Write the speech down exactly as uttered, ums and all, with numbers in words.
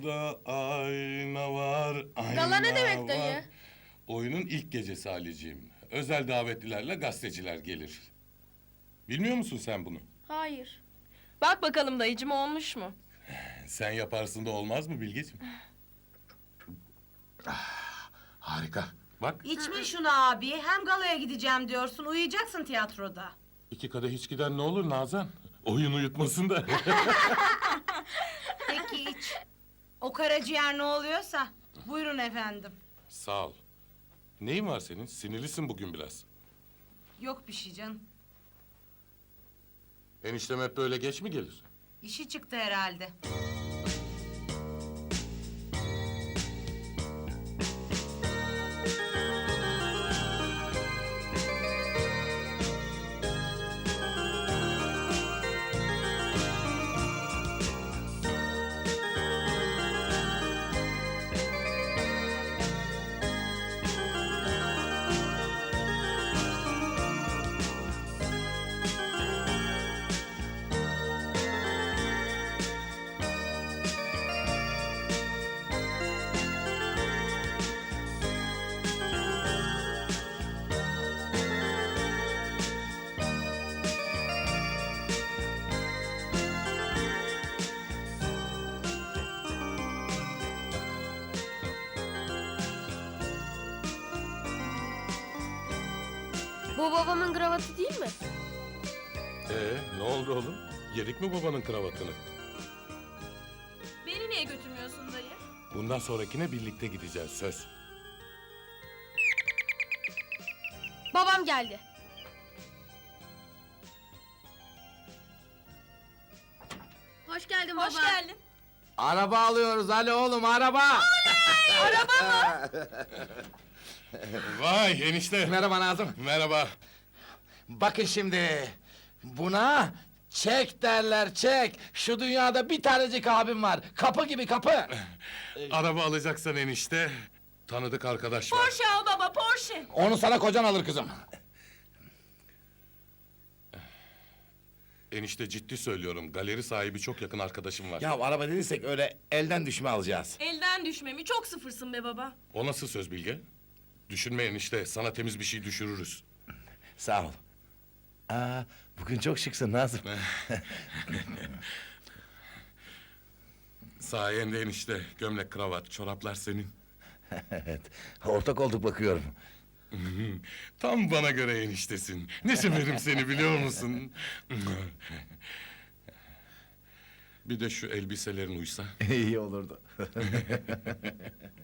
Kapıda ayna var, ayna Gala ne demek var. dayı? Oyunun ilk gecesi Halicim. Özel davetlilerle gazeteciler gelir. Bilmiyor musun sen bunu? Hayır. Bak bakalım dayıcım olmuş mu? Sen yaparsın da olmaz mı Bilgeciğim? Harika. Bak, İçme şunu abi. Hem galaya gideceğim diyorsun. Uyuyacaksın tiyatroda. iki kadeh hiç giden ne olur Nazan? Oyun uyutmasın da. Peki iç. O karaciğer ne oluyorsa. Buyurun efendim. Sağ ol. Neyin var senin? Sinirlisin bugün biraz. Yok bir şey canım. Eniştem hep böyle geç mi gelir? İşi çıktı herhalde. Bu babamın kravatı değil mi? Ee, ne oldu oğlum? Yedik mi babanın kravatını? Beni niye götürmüyorsun dayı? Bundan sonrakine birlikte gideceğiz, söz. Babam geldi. Hoş geldin baba. Hoş geldin. Araba alıyoruz Ali oğlum, araba! Vay enişte. Merhaba Nazım. Merhaba. Bakın şimdi, buna çek derler, çek. Şu dünyada bir tanecik abim var, kapı gibi kapı. Araba alacaksan enişte, tanıdık arkadaş var. Porsche al baba Porsche. Onu sana kocan alır kızım. Enişte ciddi söylüyorum, galeri sahibi çok yakın arkadaşım var. Ya araba dediysek öyle elden düşme alacağız. Elden düşmemi çok sıfırsın be baba. O nasıl söz Bilge? Düşünme enişte, sana temiz bir şey düşürürüz. Sağ ol. Aa, bugün çok şıksın Nazım. Sayende enişte, gömlek, kravat, çoraplar senin. Evet, ortak olduk bakıyorum. Tam bana göre eniştesin. Ne severim seni biliyor musun? Bir de şu elbiselerin uysa. İyi olurdu.